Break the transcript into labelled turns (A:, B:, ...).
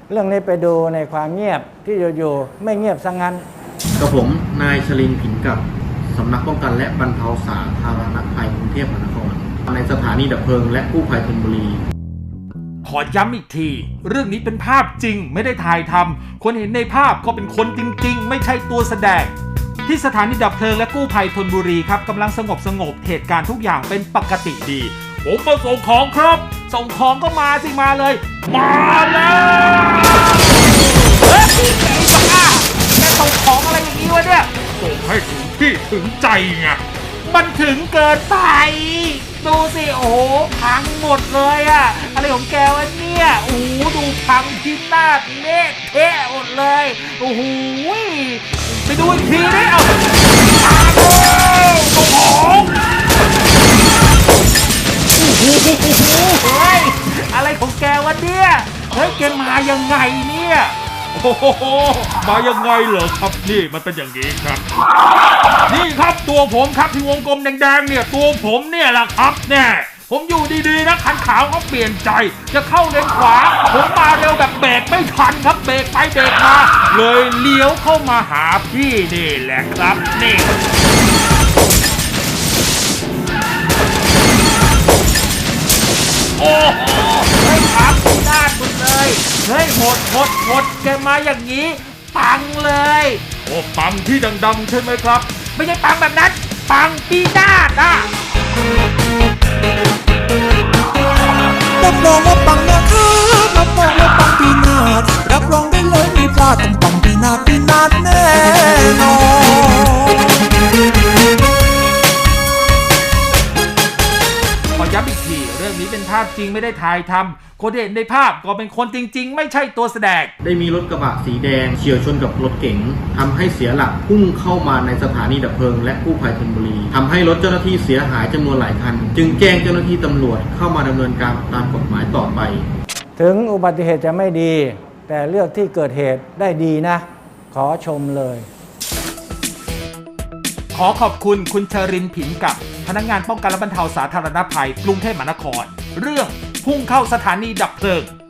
A: เรื่องนี้ไปดูในความเงียบที่อยู่ๆไม่เงียบซะงั้น
B: กับผมนายชลินผินกับสำนักป้องกันและบรรเทาสาธารณภัยกรุงเทพมหานครในสถานีดับเพลิงและกู้ภัยธนบุรี
C: ขอย้ำอีกทีเรื่องนี้เป็นภาพจริงไม่ได้ถ่ายทำคนเห็นในภาพก็เป็นคนจริงๆไม่ใช่ตัวแสดงที่สถานีดับเพลิงและกู้ภัยธนบุรีครับกำลังสงบเหตุการณ์ทุกอย่างเป็นปกติดีผมมาส่งของครับส่งของก็มาสิมาเลยมาแล้วเฮ้ยไอ้บ้าแกส่งของอะไรอย่างนี้วะเนี่ยส่งให้ถึงที่ถึงใจไงมันถึงเกินไปดูสิโอ้โหพังหมดเลยอะอะไรของแกวะเนี่ยโอ้โหดูพังพินาศเละเทะหมดเลยโอ้โหไปดูอีกทีดิเอามาเลยส่งของเฮ้ยอะไรของแกวะเนี่ยเฮ้ยแกมายังไงเนี่ยโอ้โหมายังไงเหรอครับนี่มันเป็นอย่างนี้ครับนี่ครับตัวผมครับที่วงกลมแดงๆเนี่ยตัวผมเนี่ยแหละครับเนี่ยผมอยู่ดีๆนะคันขาวเขาเปลี่ยนใจจะเข้าเลนขวาผมมาเร็วแบบเบรกไม่ทันครับเบรกไปเบรกมาเลยเลี้ยวเข้ามาหาพี่นี่แหละครับนี่โอ้โหเฮ้ยพังพินาศหมดเลยเฮ้ยหมดแกมาอย่างนี้ปังเลยโอ้ปังที่ดังๆใช่ไหมครับไม่ใช่ปังแบบนั้นปังพินาศอ่ะ
D: รับรองว่าปังนะครับรับรองว่าปังปีนาศรับรองได้เลยไม่พลาดต้องปังปีนาศแน่นอน
C: ขอย้ำอีกทีเรื่องนี้เป็นภาพจริงไม่ได้ถ่ายทำคนที่เห็นในภาพก็เป็นคนจริงๆไม่ใช่ตัวแสดง
B: ได้มีรถกระบะสีแดงเฉี่ยวชนกับรถเก๋งทำให้เสียหลักพุ่งเข้ามาในสถานีดับเพลิงและกู้ภัยธนบุรีทำให้รถเจ้าหน้าที่เสียหายจำนวนหลายคันจึงแจ้งเจ้าหน้าที่ตำรวจเข้ามาดำเนินการตามกฎหมายต่อไป
A: ถึงอุบัติเหตุจะไม่ดีแต่เลือกที่เกิดเหตุได้ดีนะขอชมเลย
C: ขอขอบคุณคุณชรินทร์ผินกับพนักงานป้องกันและบรรเทาสาธารณภัยกรุงเทพมหานครเรื่องพุ่งเข้าสถานีดับเพลิง